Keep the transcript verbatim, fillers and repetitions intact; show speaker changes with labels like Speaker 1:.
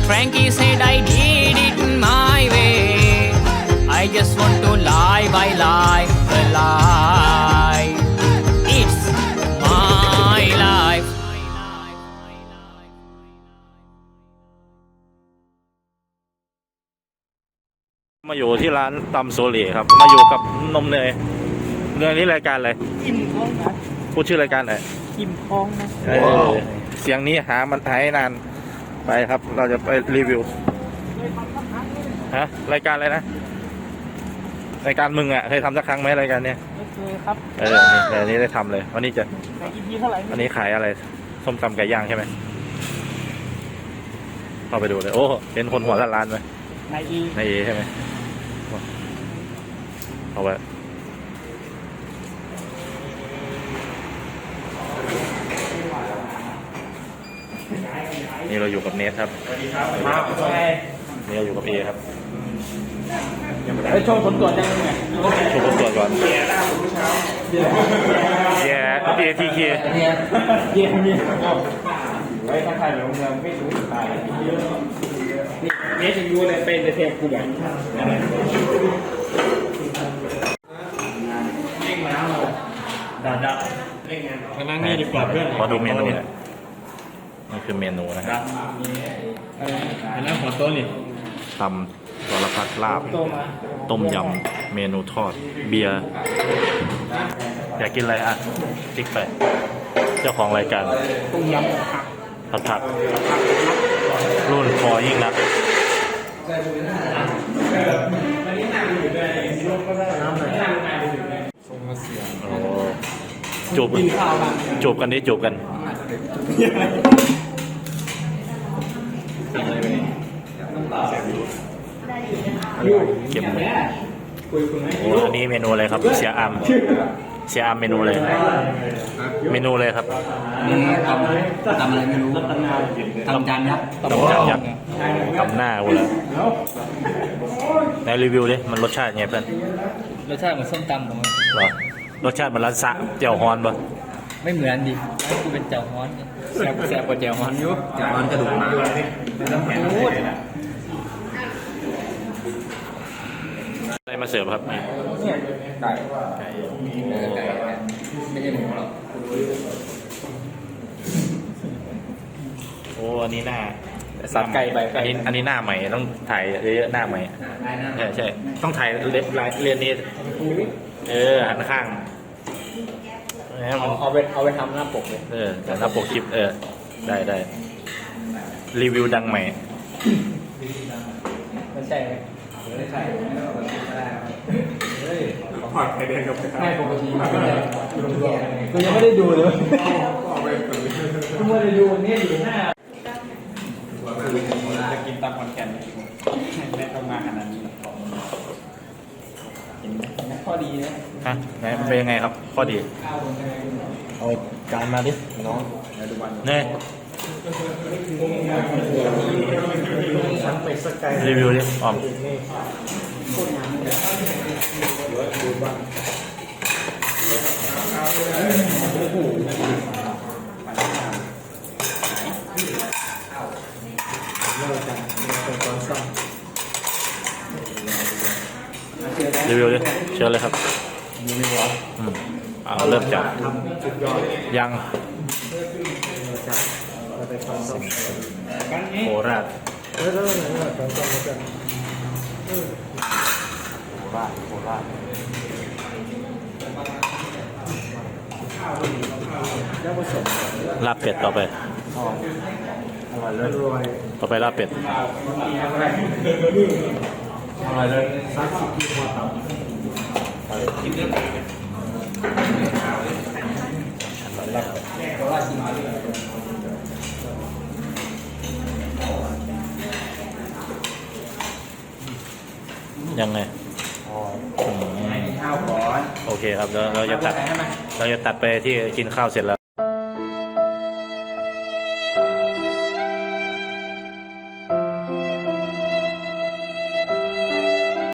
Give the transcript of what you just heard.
Speaker 1: Frankie said I did it my way. I just want to live, I live a life. It's my life.
Speaker 2: มาอยู่ที่ร้านตำโซเล่ครับมาอยู่กับนมเนยเนยนี่รายการอะไร
Speaker 3: อิ่มท้องนะ
Speaker 2: พูดชื่อรายการหน่อย
Speaker 3: อิ่มท้องนะ
Speaker 2: เออเสียงนี้หามันหายนานไปครับ เราจะไปรีวิวฮะรายการอะไรนะรายการมึงอ่ะเคยทำสักครั้งไหมรายการเนี้ย
Speaker 3: ไม่เคยครับ
Speaker 2: เออนี่แต่อันนี้ได้ทำเลยวันนี้จะ
Speaker 3: แต่อีพีเท่าไหร่
Speaker 2: อันนี้ขายอะไรส้มตำไก่ย่างใช่ไหมเข้าไปดูเลยโอ้เป็นคนหัวล้านๆไหม
Speaker 3: ในอี
Speaker 2: ในเอใช่ไหมเอาไว้นี่เราอยู่กับเนทครับนี่เราอยู่กับเอครับ
Speaker 3: ไอ้โชว์ผลตรวจยังไง
Speaker 2: โชว์ผลตรวจก่อนแย่เอทีเค
Speaker 3: เนี่ยเยี่ยมเยี่ยมไว้ถ้าใครอยู่โรงแรมไม่รู้ตายนี่จะยูเลยเป็นเทปกูแบบดาดามานั่งนี่ดีกว่าเพื่อน
Speaker 2: ขอดูเมนูหน่อยนี่คือเมนูนะครับ
Speaker 3: มานั่งขอโต๊ะนี่
Speaker 2: ตำสารพัดลาบ ต้มยำ เมนูทอด เบียร์ อยากกินอะไรอ่ะติ๊กไป เจ้าของรายการ
Speaker 3: ต้มยำผัก
Speaker 2: ผัดผักรุ่นคอยิ่งนักโอ้จูบจูบกันดิจูบกันเก็บเลยโอ้อันนี้เมนูอะไรครับ เสียอามเสียอามเมนูเลย เมนูเลยครับ
Speaker 4: นี่ทำทำอะไรไม่รู้ทำจานยักษ์
Speaker 2: ตำจานยักษ์ตำหน้ากูเลยในรีวิวดิมันรสชาติไงเพื่อน
Speaker 4: รสชาติเหมือนส้มตำของมัน
Speaker 2: เหรอรสชาติมันร้านสะเจียวฮอนปะ
Speaker 4: ไม่เหมือนดิให้กูเป็นเจ้าฮ้อนแซ่บแซ่บกว่าเจ้าฮ้อนอยู่
Speaker 3: จานกระดูกหมา
Speaker 4: ไม่ต้องพูด
Speaker 2: อะไรมาเสิร์ฟครับนี่
Speaker 3: เนี่ยไก่
Speaker 2: ไก่
Speaker 4: ไม่ใช่หมูหรอก
Speaker 2: โอ้อันนี้หน้า
Speaker 4: สับไก่ใบ
Speaker 2: อั
Speaker 4: ไก่
Speaker 2: นนี้อันนี้หน้าใหม่ต้องถ่ายเยอะๆหน้าใหม่ใช่ใช่ต้องถ่ายเล็บลายเรียนนี้เออหันข้างแหม
Speaker 4: เอา
Speaker 2: มัน
Speaker 4: เอาไปเอาไปทำหน้าปกเลย
Speaker 2: เออแต่หน้าปกคลิปเออได้ได้รีวิวดังใหม่
Speaker 4: ไม่ใช่ไหมไม่ใช่
Speaker 3: ผัดไข่แดงกับ
Speaker 4: ไม่ปกติมันก็เลยกูยังไม่ได้ดูเลยกูไม่ได้ดูนี่อยู่หน้าจะกินตามคอนแกนไม่ต้องมาขนาดนี้เห็นไหมข้อดีนะ
Speaker 2: ฮะไหนมันเป็นยังไงครับ ข้อดี
Speaker 4: เอาจานมาดิน้องดูวัน
Speaker 2: เนี่ย
Speaker 3: ฉันไปสกาย
Speaker 2: รีวิวดิออมรีวิวดิเชิญเลยครับอืมเอาเริ่มจากยังโคราชโคราชโคราชลาบเป็ดต่อไปต่อไปลาบเป็ดยังไงอืม
Speaker 4: ข้าวก่อน
Speaker 2: โอเคครับเราเราจะตัดเราจะตัดไปที่กินข้าวเสร็จแล้ว